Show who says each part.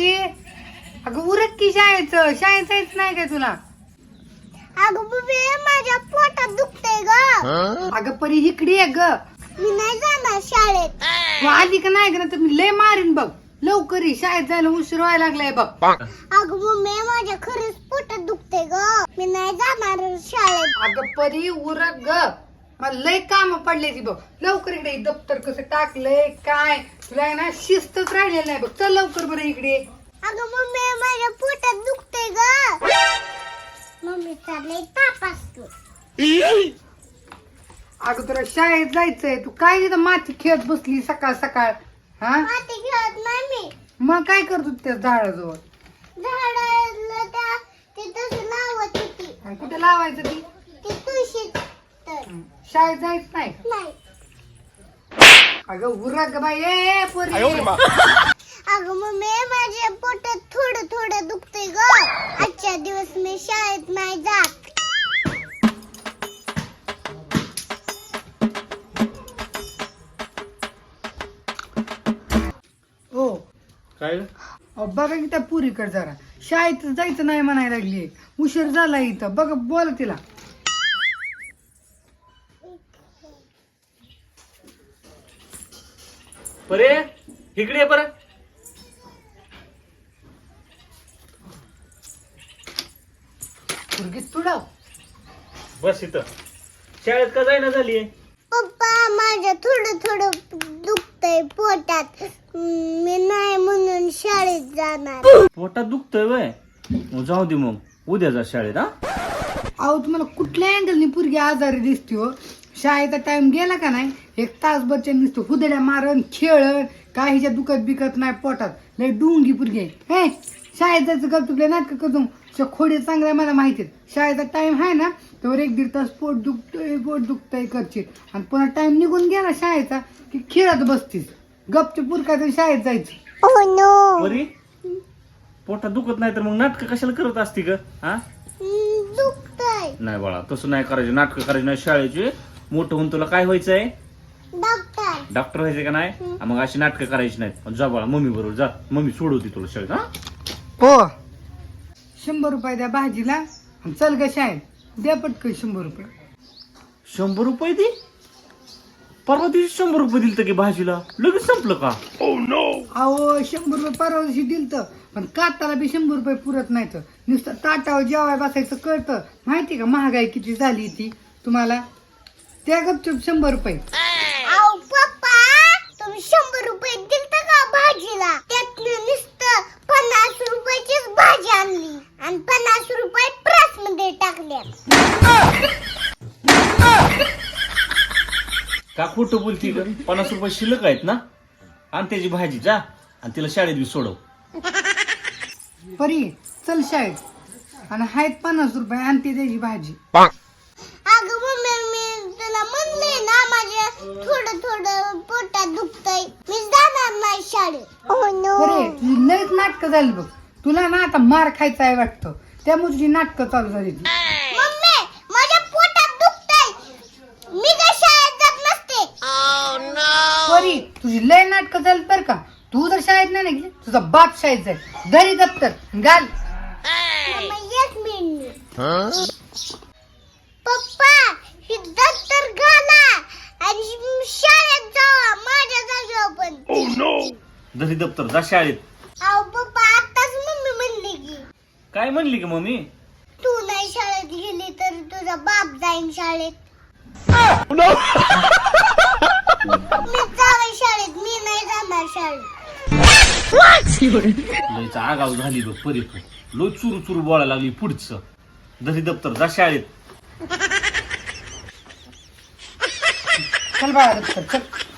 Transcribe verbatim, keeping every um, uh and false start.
Speaker 1: परी अगं उरक की शाळेचं शाळेत जायचं नाही काय तुला?
Speaker 2: अगं बुबे माझ्या पोटात दुखतंय ग.
Speaker 1: अगं परी इकडे ये ग.
Speaker 2: मी नाही जाणार शाळेत.
Speaker 1: तू आली का नाही का तर मी लय मारीन बघ. लवकर ये शाळेत जायला उशीर व्हायला लागलाय बघ.
Speaker 2: अगं बुबे माझ्या खरंच पोटात दुखतंय ग. मी नाही जाणार शाळेत.
Speaker 1: अगं परी उरक ग. मला लय काम पडले ती बघ. लवकर इकडे ये. दप्तर कसं टाकलंय काय तुला आहे ना शिस्तच राहिलेलं नाही बघ. चल लवकर बरं इकडे.
Speaker 2: अगं मम्मी माझ्या पोटात दुखतंय ग. मम्मी चाललंय ताप असतो.
Speaker 1: अगं तुला शाळेत जायचंय तू काय तिथं माती खेळत बसली सकाळ सकाळ. हा
Speaker 2: माती खेळत नाही मी.
Speaker 1: मग काय करतो त्या झाडाजवळ?
Speaker 2: झाडाला त्या तिथं लावत होती.
Speaker 1: आणि कुठे लावायचं ती?
Speaker 2: ती तुळशी तर
Speaker 1: शाळेत जायचं नाही.
Speaker 2: नाही.
Speaker 1: अगं उरक बाई ए पोरी.
Speaker 2: अगं मम्मी माझ्या पोटात थोडं थोडं दुखतंय ग. आजच्या दिवस मी शाळेत नाही जात.
Speaker 1: हो
Speaker 3: काय
Speaker 1: अहो, बघा की त्या पुरीकडे जरा शाळेत जायचं नाही म्हणायला लागली. उशीर झाला इथं बघा बोला तिला.
Speaker 3: परे इकडे ये परत.
Speaker 1: पुरगी तुडव.
Speaker 3: बस इथं. शाळेत का जायना झालीये?
Speaker 2: पप्पा माझ्या थोडं थोडं दुखतंय पोटात. मी नाही म्हणून शाळेत जाणार.
Speaker 3: पोटात दुखतंय वय मग जाऊ दे मग उद्या जा शाळेत. हा
Speaker 1: अहो तुम्हाला कुठल्या अँगलनी पुरगी आजारी दिसते हो. शाळेचा टाइम गेला का नाही एक तासभरच्या नुसतं हुदड्या मारण खेळण काहीच्या दुखत बिकत नाही पोटात. लय डुंगी पुरगी आहे. हे शाळेत जायचं गप तुला नाटक करतो खोडे चांगल्या मला माहिती आहेत. शाळेचा टाइम आहे ना तर एक दीड तास पोट दुखतंय पोट दुखतंय करशील आणि पुन्हा टाइम निघून गेला शाळेचा की खेळत बसतीस. गपचे पुरकायचं शाळेत जायचं.
Speaker 2: Oh no.
Speaker 3: परी पोटात दुखत नाही तर मग नाटक कशाला करत असती ग? हा
Speaker 2: दुखतंय.
Speaker 3: नाही बाळा तसं नाही करायचं. नाटक करायची नाही शाळेची. मोठं होऊन तुला काय व्हायचंय?
Speaker 2: डॉक्टर.
Speaker 3: डॉक्टर व्हायचंय का नाही? हा, मग अशी नाटकं करायची नाहीत. जा बाळा मम्मी बरोबर जा. मम्मी सोडवती तुला शाळेत. हा
Speaker 1: हो शंभर रुपये द्या भाजीला आणि चल ग शाळेत. द्या पटकन शंभर रुपये.
Speaker 3: शंभर रुपये दे. परवा दिवशी शंभर रुपये दिलत की भाजीला लगेच संपलं का?
Speaker 1: अहो शंभर रुपये परवा दिवशी दिलतं पण काताला बी शंभर रुपये पुरत नाही. तर नुसतं ताटावर जेवाय बसायचं कळतं माहिती का महागाई किती झाली ती तुम्हाला. त्या गपचूप शंभर रुपये.
Speaker 2: आओ पप्पा तुम्ही शंभर रुपये दिलत का भाजीला? त्यात नुसतं पन्नास रुपयाचीच भाजी आणली आणि पन्नास रुपये प्रेस मध्ये टाकले.
Speaker 3: का खोटं बोलती ग? पन्नास रुपये शिल्लक आहेत ना. आणि त्याची भाजी जा आणि तिला शाळेत बी सोडव.
Speaker 1: परी चल शाळेत आणि आहेत पन्नास रुपये आणि ती त्याची भाजी.
Speaker 2: अगं मम्मी मी तुला म्हणले ना माझ्या थोडं थोडं पोटात दुखतंय. मी जाणार नाही शाळेत. Oh no.
Speaker 1: बरे तुझी लयच नाटकं झाली बघ. तुला ना आता मार खायचा आहे वाटतं त्यामुळे तुझी नाटकं चालू झाली ती.
Speaker 2: मम्मी माझ्या पोटात दुखतंय. मी काय शाळेत जात नसते.
Speaker 1: परी तुझी लय नाटकं झाली बरं का. तू जर शाळेत नाही गेली तुझा बाप शाळेत जाईल. घरी दप्तर घाल.
Speaker 2: मम्मी एक मिनिट. पप्पा ही दप्तर घाला आणि शाळेत जावा माझ्या जागेवर पण.
Speaker 3: घरी दप्तर जा शाळेत.
Speaker 2: अहो पप्पा आताच मम्मी म्हणली की
Speaker 3: काय म्हणली की मम्मी?
Speaker 2: तू नाही शाळेत गेली तर तुझा बाप जाईन शाळेत. मी जावे शाळेत. मी नाही जाणार शाळेत.
Speaker 3: लयचा आगाव झाली बघ परी. लो चुरू चुरू बोलायला लागली पुढचं. घरी दप्तर जा शाळेत.
Speaker 1: चल बाळा दप्तर चल.